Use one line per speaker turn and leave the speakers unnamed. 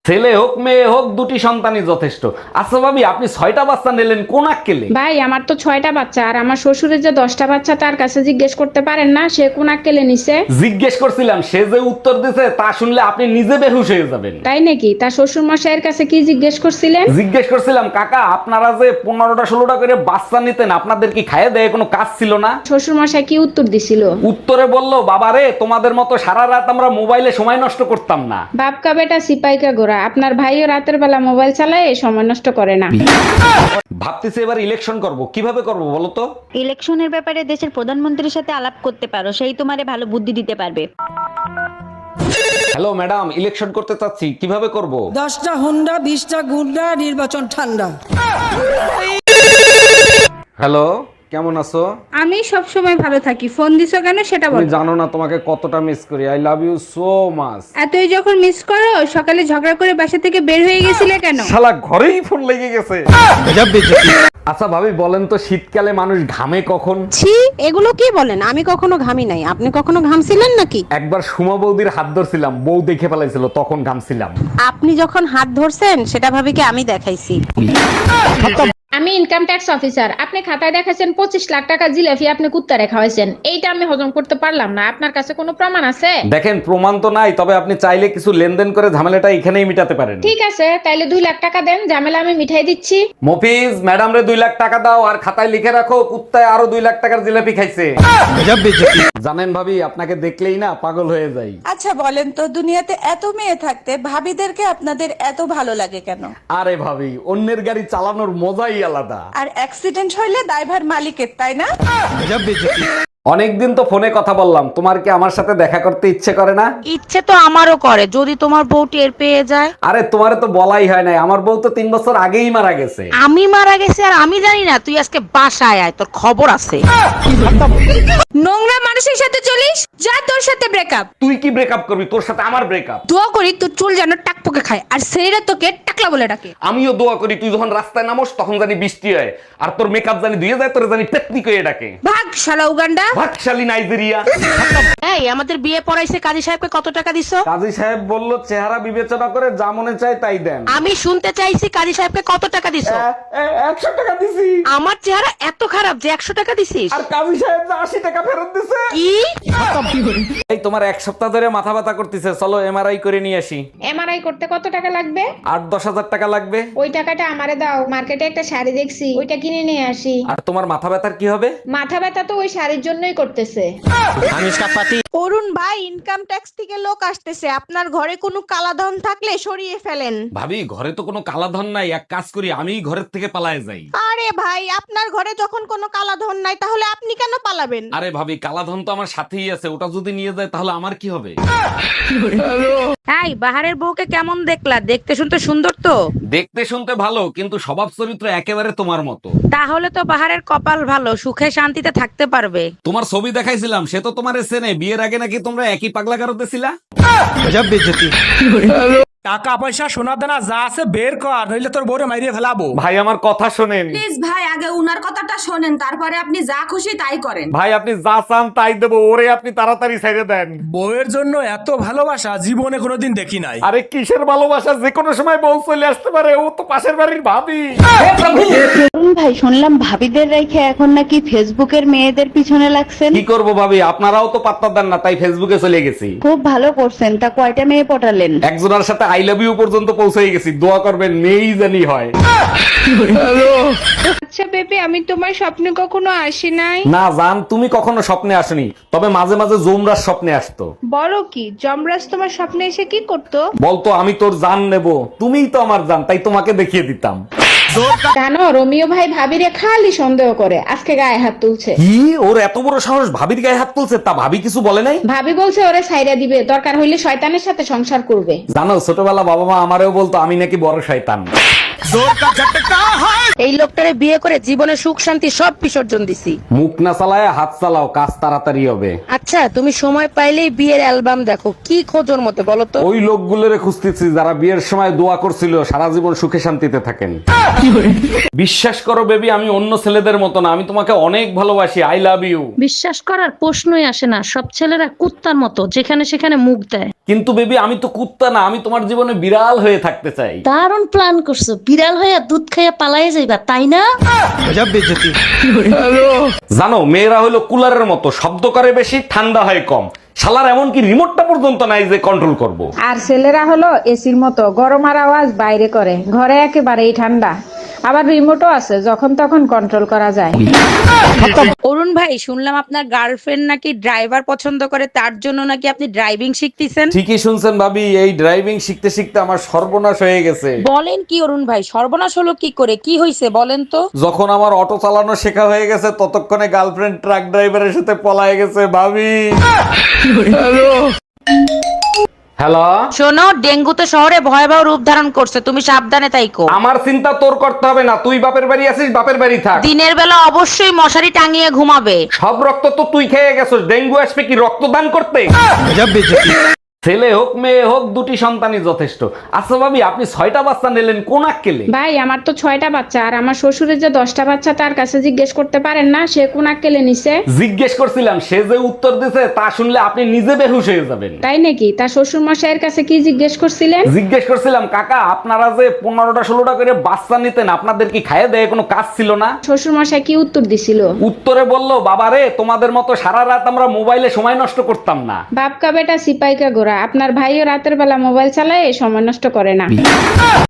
ছেলে হোক মেয়ে হোক দুটি সন্তানই যথেষ্ট। আচ্ছা ভাবি, আপনি 6টা বাচ্চা নিলেন কোন আক্কেলে?
ভাই আমার তো 6টা বাচ্চা, আর আমার শ্বশুরের যে 10টা বাচ্চা তার কাছে জিজ্ঞেস করতে পারেন না সে কোন আক্কেলে নিছে?
জিজ্ঞেস করছিলাম, সে যে উত্তর দিছে তা শুনলে আপনি নিজে বেহুশ হয়ে যাবেন।
তাই নাকি? তার শ্বশুর মশাইয়ের কাছে কি জিজ্ঞেস করছিলেন?
জিজ্ঞেস করছিলাম, কাকা আপনারা যে 15টা 16টা করে বাচ্চা নিতেন, আপনাদের কি খাইয়ে দেয় কোনো কাজ ছিল না?
শ্বশুর মশাই কি উত্তর দিছিল?
উত্তরে বলল, বাবারে তোমাদের মতো সারা রাত আমরা মোবাইলে সময় নষ্ট করতাম না।
বাপকা বেটা সিপাইকা গোরা, আপনার ভাইও রাতের বেলা মোবাইল চালায় সময় নষ্ট করে না।
ভাবতেছি এবার ইলেকশন করব, কিভাবে করব বলো তো?
ইলেকশনের ব্যাপারে দেশের প্রধানমন্ত্রীর সাথে আলাপ করতে পারো, সেই তোমারে ভালো বুদ্ধি দিতে পারবে।
হ্যালো ম্যাডাম, ইলেকশন করতে চাচ্ছি, কিভাবে করব?
10টা হুন্ডা 20টা গুন্ডা, নির্বাচন ঠান্ডা।
হ্যালো, কেমন আছো?
আমি সব সময় ভালো থাকি, ফোন দিছো কেন সেটা
তুমি
বলো।
জানো না তোমাকে কতটা মিস করি। I love you so much.
এতই যখন মিস করো, সকালে ঝগড়া করে বাসা থেকে বের হয়ে গেছিলে কেন?
শালা ঘরেই ফোন লেগে গেছে। আচ্ছা ভাবি বলেন তো, শীতকালে মানুষ ঘামে কখন?
ছি, এগুলো কি বলেন? আমি কখনো ঘামি নাই। আপনি কখনো ঘামছিলেন নাকি?
একবার সুমা বৌদির হাত ধরছিলাম, বউ দেখে ফেলাইছিল, তখন ঘামছিলাম।
আপনি যখন হাত ধরছেন সেটা ভাবি কি আমি দেখাইছি?
আমি ইনকাম ট্যাক্স অফিসার, আপনি খাতায় দেখাছেন 25 লাখ টাকা জিলাপি আপনি কুত্তা রেখা হয়েছেন, এইটা আমি হজম করতে পারলাম না। আপনার কাছে কোনো প্রমাণ আছে?
দেখেন, প্রমাণ তো নাই, তবে আপনি চাইলে কিছু লেনদেন করে ঝামেলাটা এখানেই মিটাতে পারেন।
ঠিক আছে, তাইলে 2 লাখ টাকা দেন, ঝামেলা আমি মিঠাই দিচ্ছি।
মফিজ, ম্যাডাম রে 2 লাখ টাকা দাও, আর খাতায় লিখে রাখো কুত্তায় আরো 2 লাখ টাকার জিলাপি খাইছে। জানেন ভাবি, আপনাকে দেখলেই না পাগল হয়ে যাই।
আচ্ছা বলেন তো, দুনিয়াতে এত মেয়ে থাকতে ভাবিদেরকে আপনাদের এত ভালো লাগে কেন?
আরে ভাবি, অন্যের গাড়ি চালানোর মজাই আলাদা।
আর অ্যাক্সিডেন্ট হইলে দায়ভার মালিকের, তাই না?
অনেকদিন তো ফোনে কথা বললাম, তোমার কি আমার সাথে দেখা করতে ইচ্ছে করে না?
ইচ্ছে তো আমারও করে, যদি তোমার বউ টের পেয়ে যায়।
আরে তোমারে তো বলাই হয় নাই, আমার বউ তো 3 বছর আগেই মারা গেছে।
আমি মারা গেছি আর আমি জানি না? তুই আজকে বাসায় আয়, তোর খবর আছে।
নোংরা মানুষের সাথে চলিস, যা তোর সাথে ব্রেকআপ।
তুই কি ব্রেকআপ করবি? তোর সাথে আমার ব্রেকআপ।
দোয়া করি তোর চুল যেন টাকপোকে খায়, আর ছেলেরা তোকে টাকলা বলে ডাকে।
আমিও দোয়া করি তুই যখন রাস্তায় নামোস তখন জানি বৃষ্টি হয়, আর তোর মেকআপ জানি ধুয়ে যায়, তোর জানি পেতনি কইয়ে ডাকে।
ভাগ শালা উগান্ডা।
ভাগশালী নাইজেরিয়া।
এই, আমাদের বিয়ে পড়াইছে কাজী সাহেবকে কত টাকা দিছো?
কাজী সাহেব বলল চেহারা বিবেচনা করে যা মনে চায় তাই দেন।
আমি শুনতে চাইছি কাজী সাহেবকে কত টাকা দিছো?
100 টাকা দিছি।
আমার চেহারা এত খারাপ যে 100 টাকা দিছিস?
আর কাজী সাহেব যে 80 টাকা ফেরত দিছে।
কি?
এই তোমার 1 সপ্তাহ ধরে মাথা ব্যথা করতেছে, চলো এমআরআই করে নিয়ে আসি।
এমআরআই করতে কত টাকা লাগবে?
8-10 হাজার টাকা লাগবে।
ওই টাকাটা আমারে দাও, মার্কেটে একটা শাড়ি দেখছি, ওইটা কিনে নিয়ে আসি।
আর তোমার মাথা ব্যথার কি হবে?
মাথা ব্যথা তো ওই শাড়ির জন্যই করতেছে।
অরুণ ভাই, ইনকাম ট্যাক্স থেকে লোক আসতেছে, আপনার ঘরে কোনো কালাধন থাকলে সরিয়ে ফেলেন।
ভাবি, ঘরে তো কোনো কালাধন নাই, এক কাজ করি আমি ঘরের থেকে পালায়ে যাই।
আরে ভাই, আপনার ঘরে যখন কোনো কালাধন নাই তাহলে আপনি কেন পালাবেন?
আরে ভাবি, কালাধন তো আমার সাথেই আছে, ওটা যদি নিয়ে যায় তাহলে আমার কি হবে?
এই, বাহারের বউকে কেমন দেখলা? দেখতে শুনতে সুন্দর তো?
দেখতে শুনতে ভালো, কিন্তু স্বভাব চরিত্র একেবারে তোমার মতো।
তাহলে তো বাহারের কপাল ভালো, সুখে শান্তিতে থাকতে পারবে।
তোমার ছবি দেখাইছিলাম, সে তো তোমার চেনে। বিয়ের আগে নাকি তোমরা একই পাগলা গারোতে ছিলা।
টাকা পয়সা সোনা দানা যা আছে বের কর, নইলে তোর বউরে মাইরিয়ে ফেলাবো।
ভাই আমার কথা শোনেন।
প্লিজ ভাই, আগে উনার কথাটা শোনেন, তারপরে আপনি যা খুশি তাই করেন।
ভাই আপনি যা চান তাই দেবো, ওরে আপনি তাড়াতাড়ি ছেড়ে দেন।
বউয়ের জন্য এত ভালোবাসা জীবনে কোনোদিন দেখি নাই।
আরে কিসের ভালোবাসা, যে কোনো সময় বউ চলে আসতে পারে, ও তো পাশের বাড়ির ভাবি।
ভাই, শুনলাম ভাবিদের রেখে এখন নাকি ফেসবুকের মেয়েদের পিছনে লাগছেন।
কি করব ভাবি, আপনারাও তো পাত্তা দেন না, তাই ফেসবুকে চলে গেছি।
খুব ভালো করছেন। তা কয়টা মেয়ে পটালেন?
একজনের সাথে আই লাভ ইউ পর্যন্ত পৌঁছে গেছি, দোয়া করবেন মেয়েই জানি হয়।
আচ্ছা বেবি, আমি তোমার স্বপ্নে কখনো আসি নাই।
না জান, তুমি কখনো স্বপ্নে আসনি, তবে মাঝে মাঝে জুমরার স্বপ্নে আসতো।
বলো কি, যমরাজ তোমার স্বপ্নে এসে কি করতো?
বলতো আমি তোর জান নেব, তুমিই তো আমার জান, তাই তোমাকে দেখিয়ে দিতাম।
জানো, রোমিও ভাই ভাবিরে খালি সন্দেহ করে, আজকে গায়ে হাত তুলছে।
কি, ওর এত বড় সাহস ভাবির গায়ে হাত তুলছে? তা ভাবি কিছু বলে নাই?
ভাবি বলছে ওরে ছাইরা দিবে, দরকার হইলে শয়তানের সাথে সংসার করবে।
জানো, ছোটবেলা বাবা মা আমারেও বলতো আমি নাকি বড় শয়তান।
এই লোকটারে বিয়ে করে জীবনে সুখ শান্তি সব বিসর্জন দিছি।
মুখ না চালায় হাত চালাও, কাজ তাড়াতাড়ি হবে।
আচ্ছা, তুমি সময় পাইলেই বিয়ের অ্যালবাম দেখো, কি খোঁজোর মতো বলো তো?
ওই লোকগুলোরে খুঁজতেছি যারা বিয়ের সময় দোয়া করছিল সারা জীবন সুখে শান্তিতে থাকেন। বিশ্বাস করো বেবি, আমি অন্য ছেলেদের মতো না, আমি তোমাকে অনেক ভালোবাসি। I love you.
বিশ্বাস করার প্রশ্নই আসে না, সব ছেলেরা কুত্তার মতো যেখানে সেখানে মুখ দেয়।
কিন্তু বেবি আমি তো কুত্তা না, আমি তোমার জীবনে বিড়াল হয়ে থাকতে চাই।
দারুণ প্ল্যান করছো, বিড়াল হয়ে দুধ খাইয়া পালাইয়া যাইবা তাই না?
জানো মেয়েরা হলো কুলারের মতো, শব্দ করে বেশি, ঠান্ডা হয় কম। শালার এমনকি রিমোটটা পর্যন্ত নাই যে কন্ট্রোল করব।
আর ছেলেরা হলো এসির মতো, গরম আর আওয়াজ বাইরে করে, ঘরে একেবারেই ঠান্ডা। আবার রিমোটও আছে, যখন তখন কন্ট্রোল করা যায়।
অরুণ ভাই শুনলাম আপনার গার্লফ্রেন্ড নাকি ড্রাইভার পছন্দ করে, তার জন্য নাকি আপনি ড্রাইভিং শিখতেছেন।
ঠিকই শুনছেন ভাবি, এই ড্রাইভিং শিখতে শিখতে আমার সর্বনাশ হয়ে গেছে।
বলেন কি অরুণ ভাই, সর্বনাশ হলো কি করে, কি হয়েছে বলেন তো?
যখন আমার অটো চালানো শেখা হয়ে গেছে ততক্ষণে গার্লফ্রেন্ড ট্রাক ড্রাইভারের সাথে পলায়ে গেছে ভাবি। হ্যালো,
শোনো, ডেঙ্গু তো শহরে ভয়াবহ রূপ ধারণ করছে, তুমি সাবধানে থাইকো।
আমার চিন্তা তোর করতে হবে না, তুই বাপের বাড়ি আছিস, বাপের বাড়ি থাক।
দিনের বেলা অবশ্যই মশারি টাঙিয়ে ঘুমাবে।
সব রক্ত তো তুই খেয়ে গেছিস, ডেঙ্গু আসবে কি রক্তদান করতে? ছেলে হোক মেয়ে হোক দুটি সন্তানই যথেষ্ট। আচ্ছা ভাবি, আপনি 6টা বাচ্চা নিলেন কোন আক্কেলে?
ভাই আমার তো 6টা বাচ্চা, আর আমার শ্বশুরের যে 10টা বাচ্চা, তার কাছে জিজ্ঞেস করতে পারেন না সে কোন আক্কেলে নিছে?
জিজ্ঞেস করছিলাম, সে যে উত্তর দিছে তা শুনলে আপনি নিজে বেহুশ হয়ে যাবেন।
তাই নাকি? তার শ্বশুর মশাইয়ের কাছে কি জিজ্ঞেস করছিলেন?
জিজ্ঞেস করছিলাম, কাকা আপনারা যে 15টা 16টা করে বাচ্চা নিতেন, আপনাদের কি খাইয়ে দেয় কোনো কাজ ছিল না?
শ্বশুর মশাই কি উত্তর দিছিল?
উত্তরে বললো, বাবারে তোমাদের মতো সারা রাত আমরা মোবাইলে সময় নষ্ট করতাম না।
বাপকা বেটা সিপাই কা গোরা, আপনার ভাইও রাতের বেলা মোবাইল চালায়, সময় নষ্ট করে না।